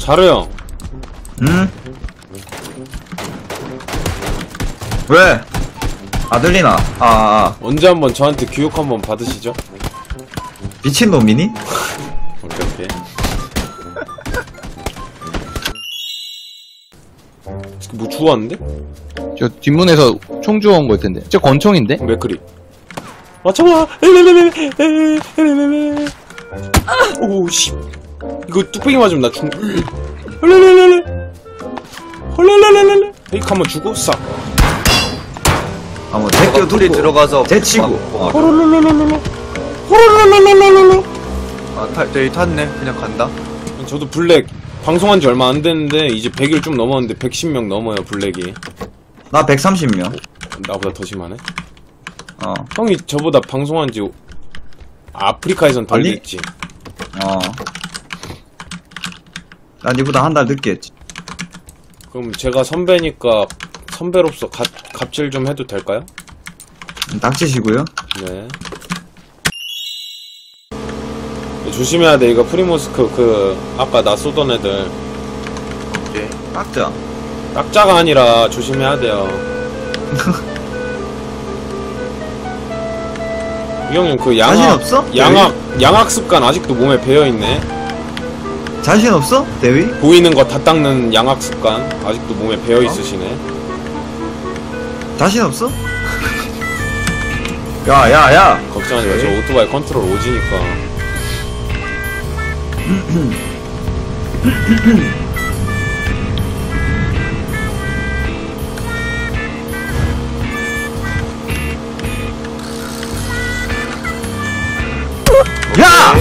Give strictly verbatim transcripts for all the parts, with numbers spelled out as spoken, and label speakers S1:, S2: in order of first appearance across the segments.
S1: 자르 형.
S2: 응? 왜? 아 들리나? 아, 아, 아.
S1: 언제 한번 저한테 교육 한번 받으시죠?
S2: 미친놈이니?
S1: 오케이 오케이. 뭐 주웠는데?
S3: 저 뒷문에서 총 주워온 걸 텐데. 저 권총인데?
S1: 맥크리. 맞춰봐. 오씨. 이거 뚝배기 맞으면 나 죽. 헐랄랄랄. 헐랄랄랄. 이거 한번 주고 싹.
S2: 아, 뭐, 제껴
S4: 둘이
S2: 두고,
S4: 들어가서
S2: 제치고.
S4: 어,
S1: 헐랄랄랄랄. 헐랄랄랄랄.
S4: 아, 타, 저기 탔네. 그냥 간다.
S1: 저도 블랙 방송한 지 얼마 안 됐는데 이제 백일 좀 넘었는데 백십 명 넘어요 블랙이.
S2: 나 백삼십 명.
S1: 나보다 더 심하네.
S2: 어,
S1: 형이 저보다 방송한 지 아프리카에선 덜
S2: 아니?
S1: 됐지.
S2: 어. 난 니보다 한 달 늦게 했지.
S1: 그럼 제가 선배니까 선배로서 갑, 갑질 좀 해도 될까요?
S2: 닥치시고요.
S1: 네. 조심해야 돼. 이거 프리모스크 그 아까 나 쏘던 애들
S4: 오케이.
S2: 깍자.
S1: 딱자가 아니라 조심해야 돼요. 이 형님 그
S2: 자신
S1: 양악
S2: 없어?
S1: 양악 양악 습관 아직도 몸에 배어 있네.
S2: 자신 없어? 대위?
S1: 보이는 거 다 닦는 양악 습관 아직도 몸에 배어 있으시네.
S2: 자신 없어? 야, 야, 야!
S1: 걱정하지 마. 저 오토바이 컨트롤 오지니까.
S2: 야!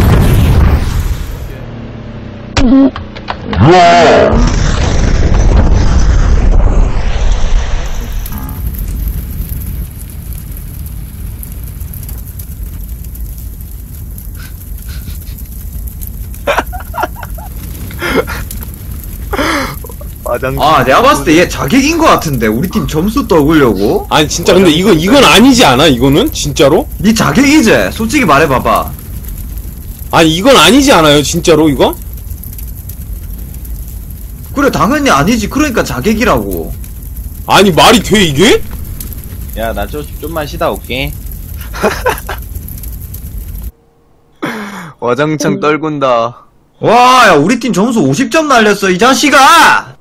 S4: 마장.
S2: 아, 내가 봤을 때 얘 자객인 것 같은데. 우리 팀 점수 떠오려고?
S1: 아니 진짜 근데 이거 이건 아니지 않아? 이거는 진짜로?
S2: 니 자객이지? 솔직히 말해봐봐.
S1: 아니 이건 아니지 않아요? 진짜로 이거?
S2: 그래, 당연히 아니지. 그러니까 자객이라고.
S1: 아니 말이 돼 이게?
S3: 야, 나 좀, 좀만 쉬다 올게.
S4: 와장창 떨군다.
S2: 와, 야, 우리 팀 점수 오십 점 날렸어, 이 자식아!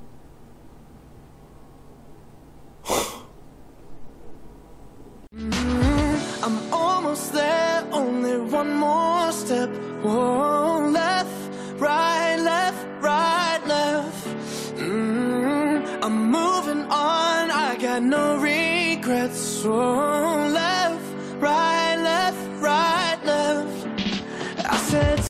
S5: I'm almost there, only one more step. Whoa, left, right, left, right, left. Mm, I'm moving on, I got no regrets. Whoa, left, right, left, right, left. I said